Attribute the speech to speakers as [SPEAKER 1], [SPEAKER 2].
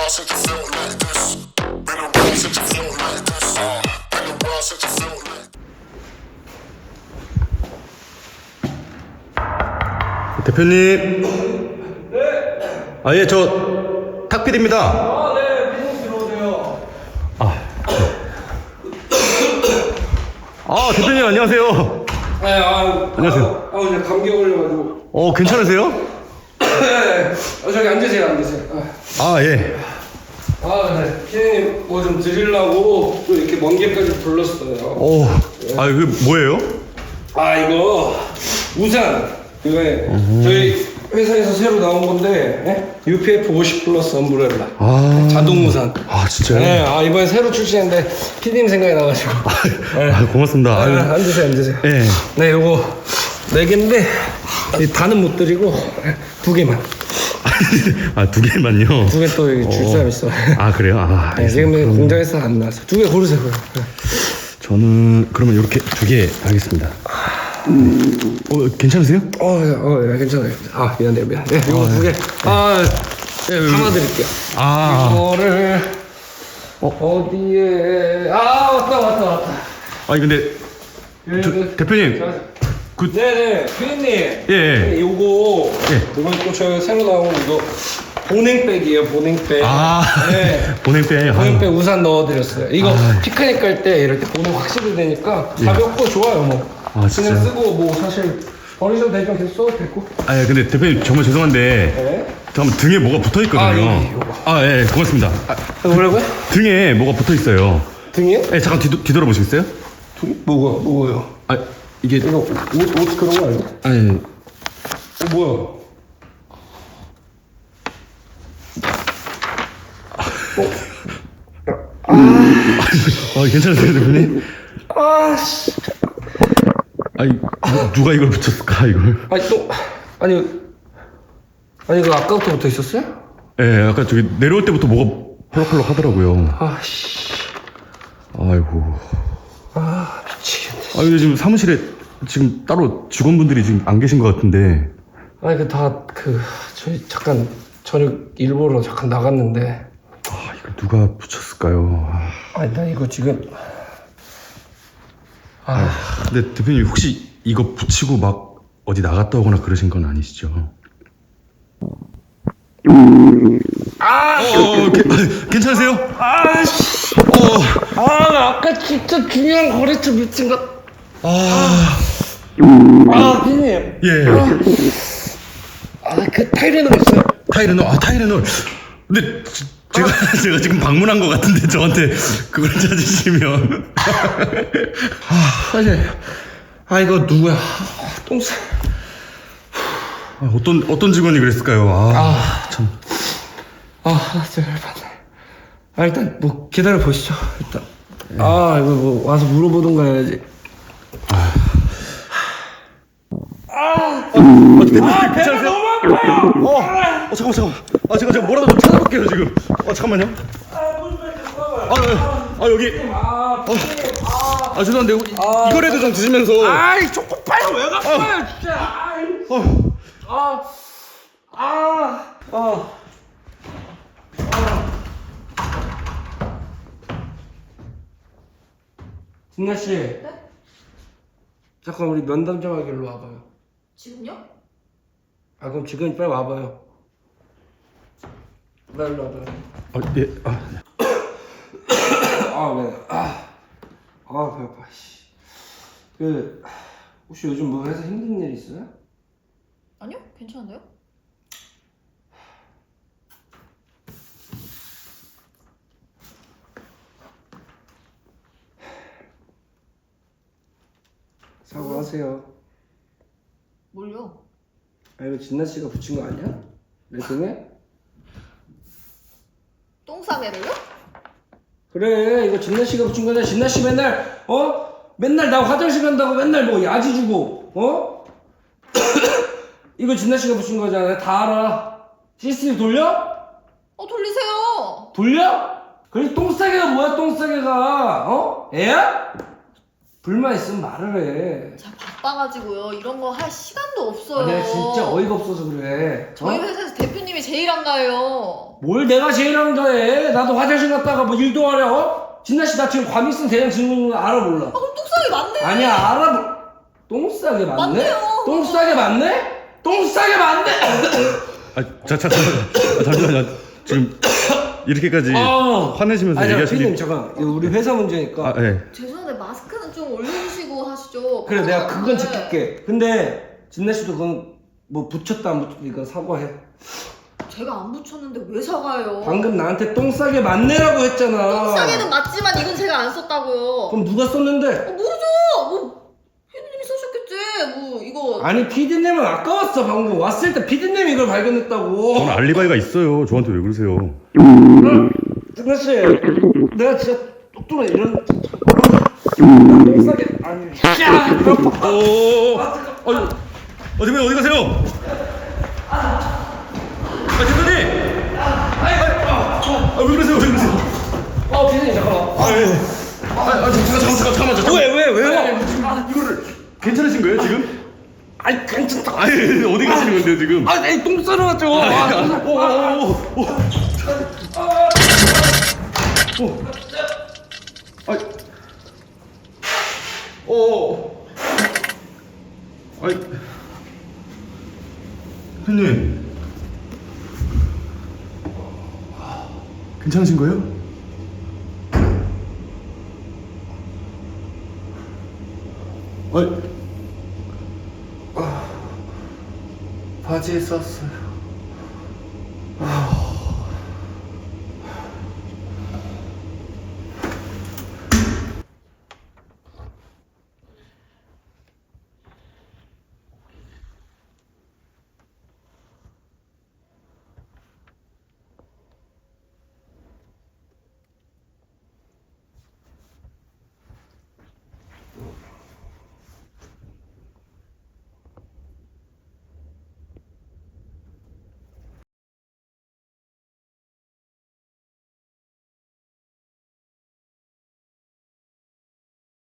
[SPEAKER 1] while since you felt like this. Been a while since you felt like this. Been a while since you felt like
[SPEAKER 2] 대표님.
[SPEAKER 3] 네.
[SPEAKER 2] 아, 예, 저 탁필입니다.
[SPEAKER 3] 아, 네. 비즈니스 들어오세요.
[SPEAKER 2] 대표님 안녕하세요.
[SPEAKER 3] 네,
[SPEAKER 2] 안녕하세요.
[SPEAKER 3] 이제 감기 걸려가지고.
[SPEAKER 2] 괜찮으세요?
[SPEAKER 3] 네. 저기 앉으세요.
[SPEAKER 2] 예.
[SPEAKER 3] 네. 피디님 뭐 좀 드리려고 또 이렇게 먼 길까지 불렀어요.
[SPEAKER 2] 이거 뭐예요?
[SPEAKER 3] 이거 우산. 이거 저희 회사에서 새로 나온 건데 UPF 50 플러스 엄브렐라. 자동 우산.
[SPEAKER 2] 진짜요?
[SPEAKER 3] 네. 이번에 새로 출시했는데 피디님 생각이 나가지고.
[SPEAKER 2] 고맙습니다.
[SPEAKER 3] 앉으세요.
[SPEAKER 2] 예.
[SPEAKER 3] 네, 요거 4개인데 다는 못 드리고 2개만.
[SPEAKER 2] 2개만요?
[SPEAKER 3] 2개 또 줄 사람 있어.
[SPEAKER 2] 그래요?
[SPEAKER 3] 네, 지금 공장에서 안 나왔어. 2개 고르세요.
[SPEAKER 2] 저는 그러면 이렇게 2개 하겠습니다. 괜찮으세요?
[SPEAKER 3] 네, 괜찮아요. 미안해요. 네, 이거 2개. 하나 드릴게요. 이거를 어디에? 왔다.
[SPEAKER 2] 근데 대표님.
[SPEAKER 3] 네네, 피디님.
[SPEAKER 2] 예.
[SPEAKER 3] 요거 이번 또 저희가 새로 나온 이거 보냉백이에요. 보냉백. 네.
[SPEAKER 2] 보냉백.
[SPEAKER 3] 보냉백 우산 넣어드렸어요. 이거 피크닉 갈 때 이럴 때 보냉 확실히 되니까 가볍고 좋아요. 뭐 그냥
[SPEAKER 2] 진짜요?
[SPEAKER 3] 쓰고 뭐 사실 버리셔도 되지만 계속 써도 되고.
[SPEAKER 2] 근데 대표님 정말 죄송한데
[SPEAKER 3] 네.
[SPEAKER 2] 잠깐 등에 뭐가 붙어 있거든요.
[SPEAKER 3] 요거.
[SPEAKER 2] 예, 고맙습니다.
[SPEAKER 3] 뭐라고요?
[SPEAKER 2] 등에 뭐가 붙어 있어요.
[SPEAKER 3] 등이요?
[SPEAKER 2] 예, 잠깐 뒤돌아보시겠어요?
[SPEAKER 3] 뭐가요?
[SPEAKER 2] 이게
[SPEAKER 3] 이거 옷 그런 거 아니야? 뭐야?
[SPEAKER 2] 괜찮으세요, 대표님? 누가 이걸 붙였을까, 이걸?
[SPEAKER 3] 아니 이거 아까부터 붙어 있었어요?
[SPEAKER 2] 예, 아까 저기 내려올 때부터 뭐가 펄럭펄럭 하더라고요. 아이고.
[SPEAKER 3] 미치겠네.
[SPEAKER 2] 근데 지금 사무실에 지금 따로 직원분들이 지금 안 계신 것 같은데.
[SPEAKER 3] 저희 잠깐 저녁 일보러 잠깐 나갔는데.
[SPEAKER 2] 이걸 누가 붙였을까요?
[SPEAKER 3] 나 이거 지금.
[SPEAKER 2] 근데 대표님 혹시 이거 붙이고 막 어디 나갔다 오거나 그러신 건 아니시죠? 괜찮으세요?
[SPEAKER 3] 나 아까 진짜 중요한 거래처 미친 것. 피디님.
[SPEAKER 2] 예.
[SPEAKER 3] 그 타이레놀 있어요?
[SPEAKER 2] 타이레놀. 근데 제가 지금 방문한 것 같은데 저한테 그걸 찾으시면.
[SPEAKER 3] 사실 이거 누구야? 똥싸.
[SPEAKER 2] 어떤 직원이 그랬을까요? 참.
[SPEAKER 3] 일단 뭐 기다려 보시죠. 일단. 이거 뭐 와서 물어보든가 해야지.
[SPEAKER 2] 괜찮으세요?
[SPEAKER 3] 너무 아파요.
[SPEAKER 2] 잠깐만. 제가 뭐라도 좀 찾아볼게요 지금. 잠깐만요. 여기. 죄송한데 이거라도 좀 드시면서.
[SPEAKER 3] 초코파이 왜 갖고 와요 진짜. 진나 씨.
[SPEAKER 4] 네?
[SPEAKER 3] 잠깐 우리 면담 좀 하기로 와봐요.
[SPEAKER 4] 지금요?
[SPEAKER 3] 그럼 지금 빨리 와봐요. 나 일로 와봐요.
[SPEAKER 2] 예.
[SPEAKER 3] 네. 배 아파. 혹시 요즘 뭐 해서 힘든 일 있어요?
[SPEAKER 4] 아니요, 괜찮은데요?
[SPEAKER 3] 사과하세요.
[SPEAKER 4] 뭘요?
[SPEAKER 3] 이거 진나 씨가 붙인 거 아니야? 내 등에?
[SPEAKER 4] 똥싸개를요?
[SPEAKER 3] 그래, 이거 진나 씨가 붙인 거잖아. 진나 씨 맨날 맨날 나 화장실 간다고 맨날 뭐 야지 주고 이거 진나 씨가 붙인 거잖아. 다 알아. CCTV 돌려?
[SPEAKER 4] 돌리세요.
[SPEAKER 3] 돌려? 그래 똥싸개가 뭐야 똥싸개가 애야? 불만 있으면 말을 해.
[SPEAKER 4] 제가 바빠가지고요. 이런 거 할 시간도 없어요.
[SPEAKER 3] 내가 진짜 어이가 없어서 그래.
[SPEAKER 4] 저희 회사에서 대표님이 제일 한가해요.
[SPEAKER 3] 뭘 내가 제일 한가해? 나도 화장실 갔다가 뭐 일도 하려? 진나씨 나 지금 과민성 대장 증후군 알아 몰라?
[SPEAKER 4] 아, 그럼 뚝상이 맞네.
[SPEAKER 3] 아니야 알아. 똥 싸게 맞네?
[SPEAKER 4] 맞네요.
[SPEAKER 3] 똥 싸게 맞네? 똥 싸게 맞네?
[SPEAKER 2] 잠시만요. 지금 이렇게까지 화내시면서
[SPEAKER 3] 아니
[SPEAKER 2] 얘기하시니.
[SPEAKER 3] 피디님 잠깐 이거 우리 회사 문제니까.
[SPEAKER 2] 네.
[SPEAKER 4] 죄송한데 마스크는 좀 올려주시고 하시죠.
[SPEAKER 3] 그래 내가 그건
[SPEAKER 4] 네.
[SPEAKER 3] 지킬게. 근데 진나씨도 그건 뭐 붙였다 안 붙였다 이건 사과해.
[SPEAKER 4] 제가 안 붙였는데 왜 사과해요?
[SPEAKER 3] 방금 나한테 똥 싸게 맞네라고 했잖아.
[SPEAKER 4] 똥싸개는 맞지만 이건 제가 안 썼다고요.
[SPEAKER 3] 그럼 누가 썼는데?
[SPEAKER 4] 모르죠. 뭐 피디님이 쓰셨겠지. 뭐 이거
[SPEAKER 3] 아니 피디님은 아까 왔어. 방금 왔을 때 피디님이 이걸 발견했다고.
[SPEAKER 2] 저는 알리바이가 있어요. 저한테 왜 그러세요?
[SPEAKER 3] 진나씨 내가 진짜 똑똑해 이런 똥 싸게 아니
[SPEAKER 2] 대표님 어디 가세요? 대표님! 왜 그러세요?
[SPEAKER 3] 피디님 잠깐만.
[SPEAKER 2] 잠깐만.
[SPEAKER 3] 왜요?
[SPEAKER 2] 이거를 괜찮으신 거예요 지금?
[SPEAKER 3] 아니 괜찮다.
[SPEAKER 2] 아니 어디 가시는 건데요 지금?
[SPEAKER 3] 아니 똥 싸러 왔죠.
[SPEAKER 2] 대표님 괜찮으신 거예요?
[SPEAKER 3] 바지에 썼어요.